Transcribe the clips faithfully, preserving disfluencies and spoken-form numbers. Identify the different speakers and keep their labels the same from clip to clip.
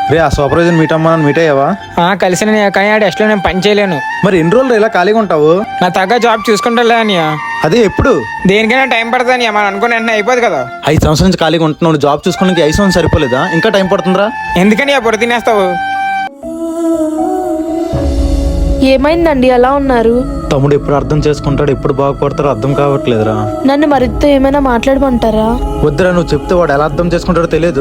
Speaker 1: రే ఆ supervisor meet అమ్మా meet అయ్యావా?
Speaker 2: కలిసిన కానీ ఆ డెస్ట్లో నేను పని చేయలేను.
Speaker 1: మరి ఎన్ని రోజులు ఇలా ఖాళీగా ఉంటావు?
Speaker 2: నా తగ్గ జాబ్ చూసుకుంటా అనియా.
Speaker 1: అదే ఎప్పుడు?
Speaker 2: దేనికైనా టైం పడుతుంది అని మనం అనుకుని వెంటనే అయిపోదు కదా.
Speaker 1: ఐదు సంవత్సరాల నుంచి ఖాళీగా ఉంటున్నావు, జాబ్ చూసుకోవడానికి ఐదు సంవత్సరం సరిపోలేదా? ఇంకా టైం పడుతుందిరా.
Speaker 2: ఎందుకని ఆ పొడి తినేస్తావు?
Speaker 3: ఏమైందండి అలా ఉన్నారు?
Speaker 1: తమ్ముడు ఎప్పుడు అర్థం చేసుకుంటాడు, ఎప్పుడు బాగుపడతాడో అర్థం కావట్లేదురా.
Speaker 3: నన్ను మరితో ఏమైనా మాట్లాడమంటారా?
Speaker 1: వద్దురా, నువ్వు చెప్తే వాడు ఎలా అర్థం చేసుకుంటాడో తెలియదు.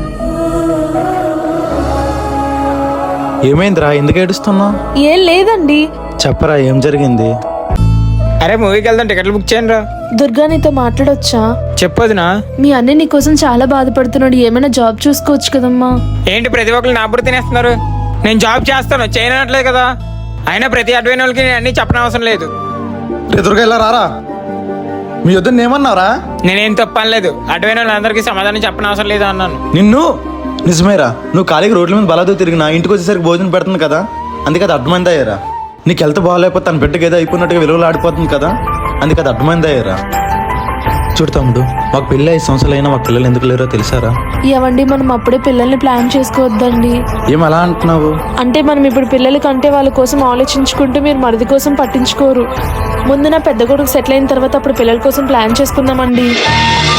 Speaker 1: ఏమైందిరా, ఎందుకు ఏడుస్తున్నావు?
Speaker 3: ఏం లేదండి.
Speaker 1: చెప్పరా, ఏం జరిగింది?
Speaker 2: అరే మూవీకి వెళ్దాం, టికెట్లు బుక్ చేయండి రా.
Speaker 3: దుర్గా నీతో మాట్లాడొచ్చా?
Speaker 2: చెప్పొద్దునా?
Speaker 3: మీ అన్నయ్య నీ కోసం చాలా బాధపడుతున్నాడు, ఏమైనా జాబ్ చూసుకోవచ్చు కదమ్మా.
Speaker 2: ఏంటి ప్రతి ఒక్కరు నా బుర్ర తినేస్తున్నారు? నేను జాబ్ చేస్తాను, చేయనట్లేదు కదా. అయినా ప్రతి అడ్వైన వాళ్ళకి నేను అన్ని చెప్పనవసరం లేదు.
Speaker 1: ఎదురుగా ఇలా రారా. మీ వద్దని ఏమన్నారా?
Speaker 2: నేనేం తప్పనలేదు, అడ్వైన వాళ్ళందరికీ సమాధానం చెప్పనవసరం లేదు అన్నాను.
Speaker 1: నిన్ను నిజమేరా, నువ్వు ఖాళీగా రోడ్ల మీద బలాదు తిరిగినా ఇంటికి వచ్చేసరికి భోజనం పెడుతుంది కదా, అందుకే అది అడ్డమైంది అయ్యారా. నీకు హెల్త్ బాగాలేకపోతే తన బిడ్డకి ఏదో అయిపోయినట్టుగా విలువలు ఆడిపోతుంది కదా, అందుకే అది అడ్డమైంది అయ్యారా. చూడు తమ్ముడు, మాకు పెళ్ళి ఐదు సంవత్సరాలు అయినా మాకు పిల్లలు ఎందుకు లేరో తెలుసారా?
Speaker 3: ఏవండి మనం అప్పుడే పిల్లల్ని ప్లాన్ చేసుకోవద్దండి.
Speaker 1: ఏం అలా అంటున్నావు?
Speaker 3: అంటే మనం ఇప్పుడు పిల్లల కంటే వాళ్ళ కోసం ఆలోచించుకుంటూ మీరు మరిది కోసం పట్టించుకోరు. ముందు నా పెద్ద కొడుకు సెటిల్ అయిన తర్వాత అప్పుడు పిల్లల కోసం ప్లాన్ చేసుకుందామండి.